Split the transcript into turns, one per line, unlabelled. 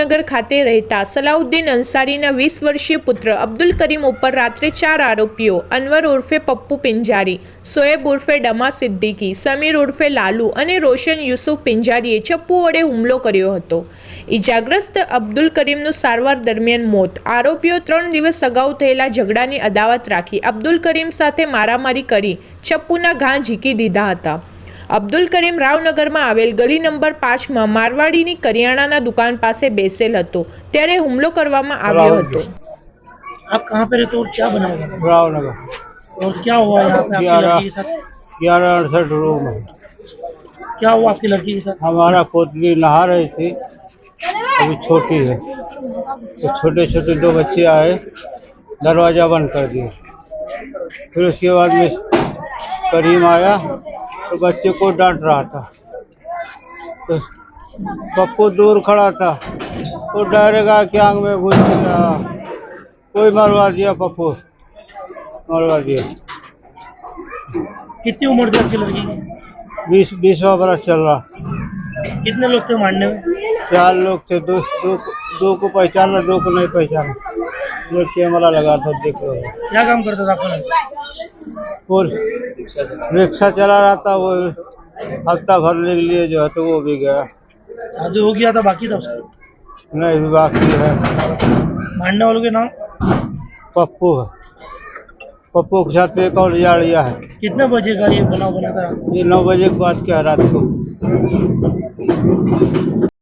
ભાવનગર ખાતે રહેતા સલાઉદ્દીન અંસારીના 20 વર્ષીય પુત્ર અબ્દુલ કરીમ ઉપર રાત્રે 4 આરોપીઓ અનવર ઉર્ફે પપ્પુ પિંજારી, શોએબ ઉર્ફે ડમા સિદ્દીકી, સમીર ઉર્ફે લાલુ અને રોશન યુસુફ પિંજારીએ ચપ્પુ વડે હુમલો કર્યો હતો। ઇજાગ્રસ્ત અબ્દુલ કરીમનું સારવાર દરમિયાન મોત। આરોપીઓ 3 દિવસ અગાઉ થયેલા ઝઘડાની અદાવત રાખી અબ્દુલ કરીમ સાથે મારામારી કરી ચપ્પુના ઘા ઝીકી દીધા હતા। અબ્દુલ કરીમ રાવનગરમાં આવેલ ગલી નંબર 5માં મારવાડીની કરિયાણાના दुकान પાસે બેસેલ હતો ત્યારે હુમલો કરવામાં આવ્યો હતો।
आप कहाँ पे रहते हो और क्या बना हुआ है?
रावनगर
और क्या हुआ यहाँ पे आपकी लड़की के साथ?
1168 रूम है।
क्या हुआ आपकी लड़की के साथ?
हमारा पोतली नहा रही थी, अभी छोटी है, तो छोटे छोटे 2 बच्चे आए, दरवाजा बंद कर दिया। फिर उसके बाद में करीम आया तो बच्चे को डांट रहा था, तो पप्पू दूर खड़ा था, तो डायरेक्ट आके आंख में घुस गया, कोई मरवा दिया, पप्पू मरवा दिया।
कितनी उम्र थी आपकी लड़की की?
20वां बरस चल रहा।
कितने लोग थे मारने में?
4 लोग थे, दो को पहचाना, 2 को नहीं पहचाना। ये कैमरा लगा था, देख लो।
क्या काम करता था आपका लड़का?
और रिक्शा चला रहा था, वो हफ्ता भरने के लिए जो है तो वो भी गया।
शादी हो गया था बाकी था उसका?
नहीं, बाकी है।
मारने वालों के नाम?
पप्पू है, पप्पू के साथ एक और जाड़िया है।
कितने बजे का ये बनाव बना था?
ये 9 बजे के बाद क्या रात को।